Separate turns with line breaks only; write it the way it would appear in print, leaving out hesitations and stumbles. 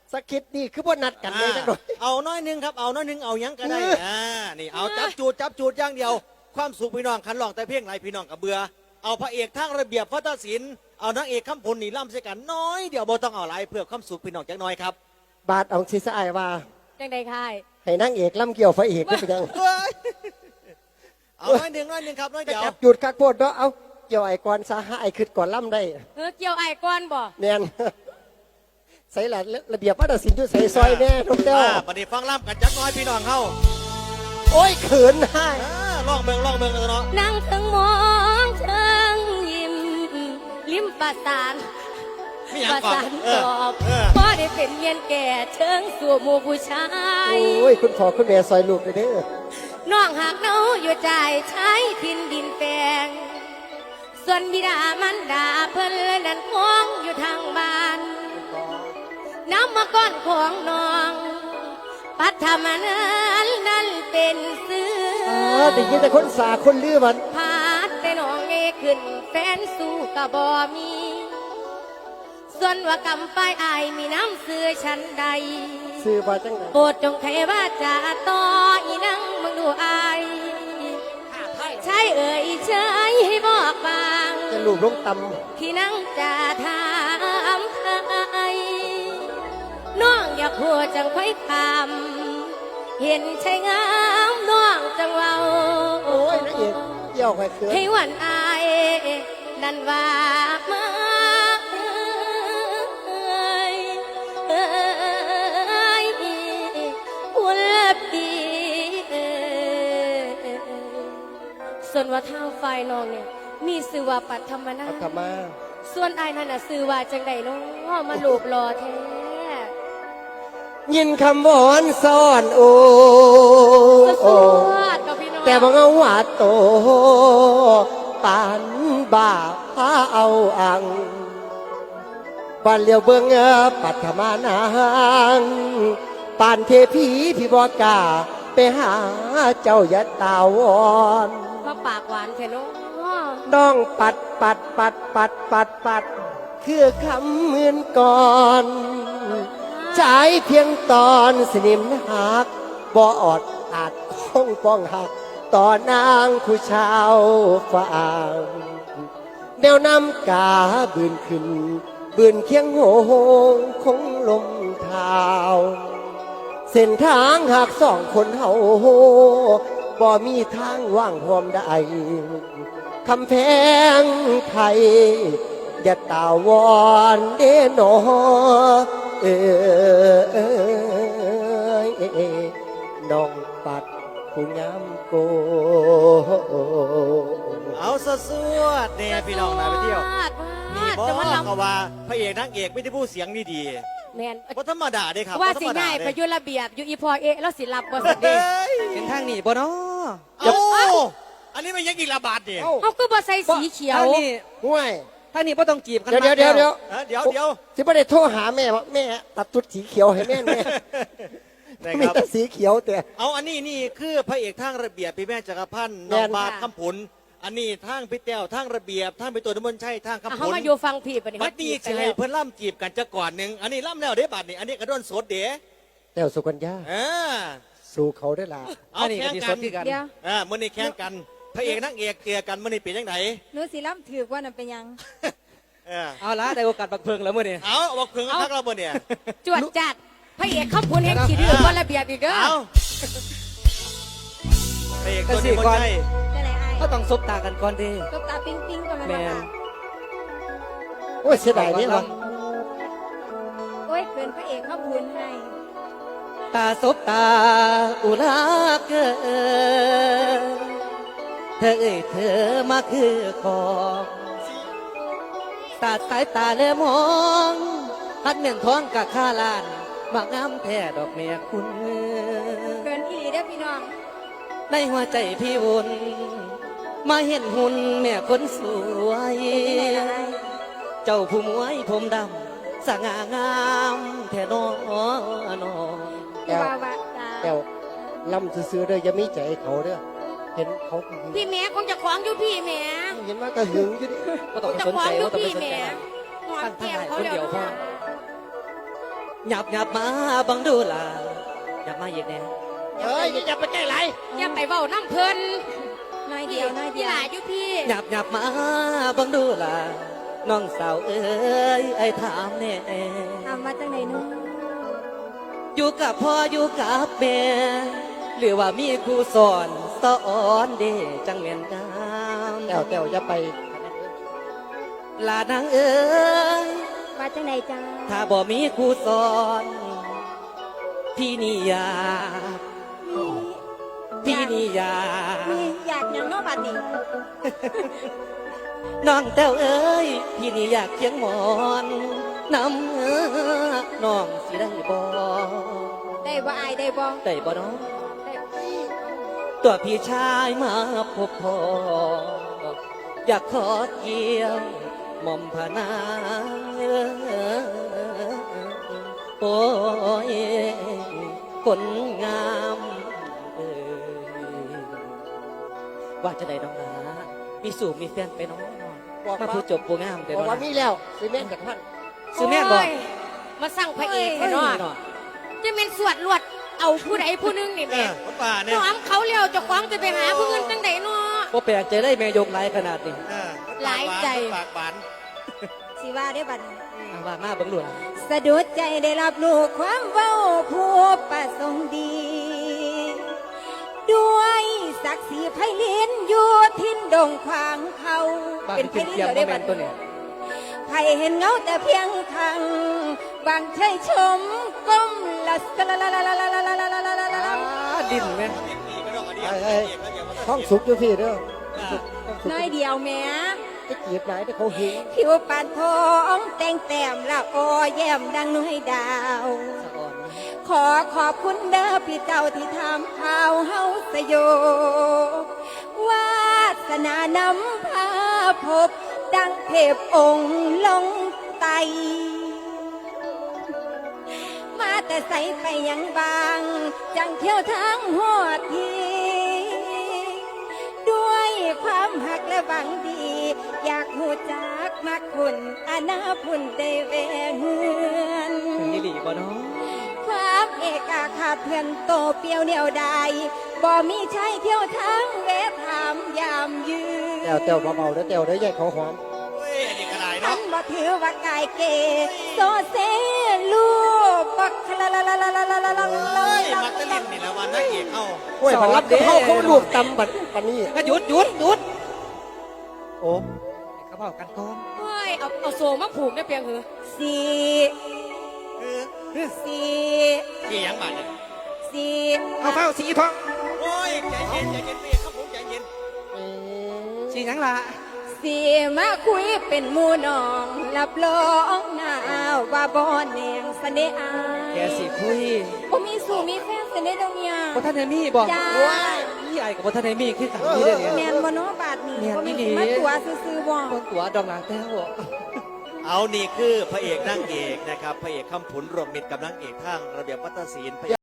สกิดนี่คือบ่นัดกันเลยจังหน่อย
เอาน้อยหนึงครับเอาน้อยหนึงเอายังก็ได้นี่เอาจับจูดอย่างเดียวความสุขพี่น้องขันร้องแต่เพียงไรพี่น้องกับเบื่อเอาพระเอกทางระเบียบวัฒนศิลป์เอานางเอกคำพลนี่ล่ำใส่กันน้อยเดี๋ยวบ่ต้องเอาอะไรเพื่อความสุขพี่น้องจักน้อยครับ
บาทเอาสิสะอายว่า
จังใดค่าย
ให้นางเอกล่ำเกี่ยวพระเอกได้ไปยัง
เอาน้อยหนึงครับน้อย
ไป
เดียว
จับจุดคักโพดเนาะเอาเกี่ยวไอ้ก่อนซะหาไอ้ขึ้นก่อนล่ำได้
เกี่ยวไอ้ก้อนบ่
แน่น ใส่ละระเบียบวัฒนศิลป์อยู่ใส่ซอยแน่ทุกเต้า
ปฏิฟังล่ำกันจักน้อยพี่น้องเฮา
โอ้ยเขินให้
ลองเบิ่งกันเนาะ
นั่งถึงมองเชิงยิ้มลิ้มประสาน
มีหยั
ป
ง
ระ
ก่อน
สานตอบพอได้เป็นเมียนแก่เชิงสู่หมู่ผู้ชาย
โอ้ยคุณพ่อคุณแม่ซอยลูกเลยเด้อ
น้องหากเนาอยู่ใจใช้ทินดินแปลงส่วนบิดามันดาเพิ่นเลยนั่นมองอยู่ทางบ้านน้ำมาก้อนของน้อง ปัทมานั้นเป็นเสือ
ได้ยินแต่คนสาคนลือมัน
พาดแต่น้องเอขึ้นแฟนสู้กะบ่มี ส่วนว่ากำไปอายมีน้ำเสือฉันใด
ซื้อมาจังไหน
โปรดจงไขว่าจะต่ออีนังมึงดูอายใช่เอ่ยใช่ให้บอกบาง
จะลูกลงต
ที่นั่งจะถามใครน้องอยากหัวจังค่อยคำเห็นใช่งามน้องจังเว้า
ำโอ้ยนางเอกเกี่ยวไข่เขิน
ให้วันอายนั่นว่ามาอุ่นละปีส่วนว่าเท้าไฟน้องเนี่ยมีสื่อว่าปัทมนา
เอากลับมา
ส่วนไอ้นั่นน่ะสื่อว่าจังใดเนาะมาลูบรอแท้
ยินคำวอนซ่อนโอ
สวัสดีกับพี่น้อง
แต่บังเอาว่าโตปานบ่าพาเอาอังบ้านเลียวเบิงปัทมานางปานเทพีพี่บอกาไปหาเจ้ายัดตาวอน
มาปากหวานแท้เนาะ
น้องปัดคือคำเหมือนก่อนใช้เพียงตอนสนิมหักบ่ออดอาจคงป้องหักต่อนางผู้ชาวฝางแนวน้ำกาบืนขึ้นบืนเคียงโหงคงลมเท้าเส้นทางหากสองคนเฮาบ่มีทางว่างหอมได้คำแพงไทยอย่าตาวอนเด้นอน้องปัดผู้งามโก
เอาสวดเนี่ยพี่น้องนะไปเที่ยวนี่บอ
จะมาล
เขาว่าพระเอกนางเอกไม่ได้พูดเสียงดี
ำแมน
ๆว่าธรรมดาเด้ครับ
ว่า
บ่ธร
สิ
รมด
ง่าย
เด้
ไปอยุระเบียบอยู่อีพอเอะแล้วสิรับบ่สิเด้
เป็นทางนี้บ่เนาะ
เอ้าอันนี้มันยังอีกระบาดเนี่ย
เขาก็บ่ใส่สีเขียว
ทางนี้
ห่วย
ทางนี้บ่ต้องจีบกัน
เดี๋ยว
มาก
เดี๋ยว
แล้ว
เดี๋ยว
เดี๋ยว
สิบ่ได้โทรหาแม่ว่าแม่ตัดชุดสีเขียวให้แม่
นะ
มี
ครับ
แต่สีเขียวแต่
เอาอันนี้นี่คือพระเอกทางระเบียบพี่แม่จักรพันธ์
แม่
น้อง
น
บาทคำผลอันนี้ทางพี่แต้วทางระเบียบทางพี่ตัวน้ำมันต์ชัยทางคำผ
เขา
ล
มาอยู่ฟังพี่ปะนี่
บัดนี้
เขาจี
จะ
บ
ให้
กันแล้ว
เพิ่นล่ำจีบกันจะก่อนหนึ่งอันนี้ล่ำแล้วเด้บัดนี้อันนี้กระโดนสดเด้
แต่สุกัญญา
อ่า
สู่เขาได้ละ
เอา
อันนี้
แข่
ก็
ง
สิ
กั
ส
น
ดคือกัน
เดี๋ยว
มื่อนี้แข่งกันพระเอกนางเอกเจอกันมื่อนี้เป็นยังไง
หนูสิล้ำถือกว่านั่นเป็นหยัง
เอาละได้โอกาสบักเพิงแล้วมื้อนี้
เอาบอกเพิ่งทักเราบ่เนี่ย
จวดจัดพระเอกเข้าพุนแห่งขี้ดื้อว่าระเบียบอีกเด้อ
เอาพระเอกตัวนี้บ่ใช่
จะไหนไอ้
ก็ต้องซบตากันก่อนเด้
ตบตาปิ๊งปิ๊งกันมัน
แม่
บ่
น
ค่ะ
โอ้ยเสียดายนี่วะ
โอ้ยเกินพระเอกเขาพูนให้
ตาซบตาอุลาเกินเธอเอ่ยเธอมาคือของตาสายตาเลมองพัดเมียนท้องกะข้าลานมางามแท้ดอกแม่คุณ
เกินอีหลีเด้อพี่น้อง
ในหัวใจพี่วุ่นมาเห็นหุ่นแม่คนสวย เจ้าผู้มวยผมดำสง่างามแท้น้อนอ
แก้ว
ว่าตา
แก้วลำซื้อๆเด้ออย่ามีใจเขาเด้อเห็นเขา
พี่แม่คงจะขวางอยู่พี่แม่
เห็นว่าก็หึงอยู่ดิ
ก็ต้อง
จะ
สน
ขวา
ใจ
งอยู่
ก็ต้องไป
พี่
สนใจ
แม่หอมแก้มเขา
คนเดี
เดี๋
ย
ยว ว
พอหยับหยับมาบังดูล่ะหยับมาอีกแน่
เฮ้ยอย่าไปใกล้ไหล
อย่าไปเว้าน้ำเพิ่น
น้อยเดียวน้อยเดี
พี่
ยว
หลาอยู่พี่
หยับหยับมาบังดูล่ะน้องสาวเอ้ยไอ้ถามแน่
ทำมาจังไหนนู้น
อยู่กับพ่ออยู่กับแม่หรือว่ามีครูสอนสอนเด้จังเมียนงาม
แต้วแต้วอย่าไป
ลานางเอ้ย
มาจังไหนจ้า
ถ้าบ่มีครูสอน พี่นี่อยากพี่นี่อยาก
มีอยากอย่างเน้อบัดนี้
น้องแต้วเอ้ยพี่นี่อยากเคียงหมอนน้ำน้องสิได้บ่
ได้บ่อายได้บ่
ได้บ่น้อง
ได้
ตัวพี่ชายมาพบพ่ออยากขอเกี่ยวหม่อมพนางโอ้ยคนงามเอ้ยว่าจะได้น้องหลามีสู่มีแฟนไปน้อง
บอก
มา
ว่า
ผู้จบผู้งามเดี๋ยว
บอก
น้อง
ว่ามีแล้วสิแม่นจากท่าน
ซื้อแม่นบ่
โยมาสั่งพระเอก
เฮ้
ให้
ย
เนาะ
เนาะ
จะเป็นสวดลวดเอาผู้ใดผู้หนึงนี่
เอ
แม่
อคนป่าเนี่ย
น้อมเขาเลี้ยวเจะคว้าของจะไปหาผู้อื่นจังใดเนาะ
บ่แปลกใจได้แม่ยกหลายขนาดนี้
เออ
หลายใจ
ปากหวาน
สิว่าได้บัดนี้
เอาว่ามาเบิ่งดูล่ะ
สะดุดใจได้รับรู้ความเว้าผู้ประสงค์ดี ด้วยศักดิ์ศรีไพลินอยู่ทินดงขวางเขา
บ้าน
เป็นไพ
ขึ้น
ลิน
เทียม
เดี๋ยว
บ่
ได้
แม่
บัด
นตัวนี้
ไพเห็นเงาแต่เพียงทางบางเคยชมก้มละสละละละละละละละละละละละ
ดินแม่
นิดนี้ก็ต้องอันนี้
เฮ้ยท้องสุกอยู่พี่เด้อท้องสุก
น้อยเดียวแม่
จะจีบไหนแต่เขาเห็น
ผิวปานทองแต่งแต้มละออแย้มดังน้อยดาว
สะอ่อน
ขอขอบคุณเด้อพี่เจ้าที่ทำข่าวเฮาสยบวาสนานำพาพบ ดังเทพองค์ลงไต มาแต่ใสไปยังบาง จังเที่ยวทางหัวที ด้วยความหักและหวังดี อยากหูจักมักคุณอาณาพุ่นได้แวงเฮือน
ถึงนี่หลีบ่เนาะ
ความเอกอาขาดเพื่อนโตเปียวเดียวดายบ่มีใช้เที่ยวทางเวทถามยามยืน
แต้วแต้วเบาๆเด้อแต้วเด้อใหญ่เขาหอม
เฮ้ยอันนี้ก็ได้
ฉั
เนาะ
นบ่ถือว่ากายเกโซเซลูบักละละละละละละละละ
เฮ้ยมักจะเล่นนี่แหละวันนักเอกเอา
โอ้ยบังรับเขาลูกตำบัดปานนี้
ก็หยุดหยุดหยุด
โอ้
เขาบอกกันก่อน
เฮ้ยเอาโซมาผูกได้เพียงเหรอ
สี
เออ
สี
เกี่ยงบาดเนี่ย
สี
เอาเฝ้าสีทอง
โอ้ยใจเย็นใจเย็นพี่ครับผมใจเย็น
สีหยังล่ะ
สีมาคุยเป็นหมู่น้องรับรองหน้าว่าบ่แนงเสน่ห์อาย
แกสิคุย
บ่มีสู่มีแฟนเสน่ห์ตรงเนี้ย
บ่ทันได้มีบ่
จ้า
พี่ไอ้กับบ่ทันได้มีคือกันนี่เด้อ
แม่
เนี่ย
นบ่เนาะบาดนี้
แม่น
บ่มี
อีหลี
มาตัวซื่อๆบ่
คนตัวดองหลังแต้ว
เอานี่คือพระเอกนางเอกนะครับพระเอกคำผุนรวมมิตรกับนางเอกทางระเบียบวัฒนศิลป์